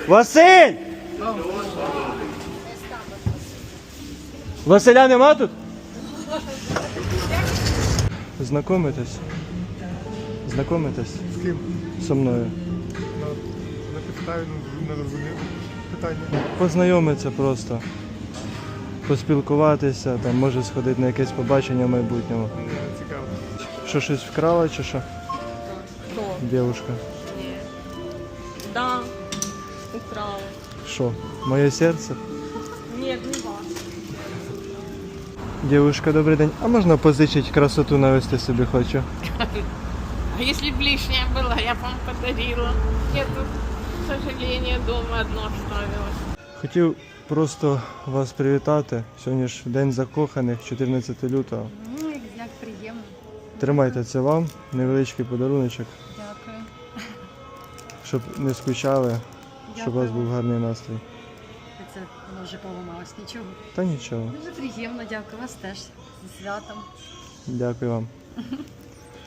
Василь! Василя нема тут? Знакомитесь? Знакомитесь? З ким? Со мною. На підставі не розумію питання. Познайомитися просто. Поспілкуватися, там, може сходити на якесь побачення в майбутньому. Мені не цікаво. Що, щось вкрала чи що? Кто? Дівушка. Нет. Да, украл. Що? Моє серце? Нет, не вас. Дівушка, добрий день. А можна позичити красоту навести собі хочу? А если б лишняя была, я бы вам подарила. Я тут, к сожалению, дома одно оставилась. Хотів просто вас привітати. Сьогодні ж День закоханих, 14 лютого. Ну, як приємно. Тримайте це вам, невеличкий подаруночок, Дякую. щоб не скучали, щоб у вас був гарний настрій. Це воно вже поламалось, нічого. Та нічого. Дуже приємно, дякую вас теж. Зі святом. Дякую вам.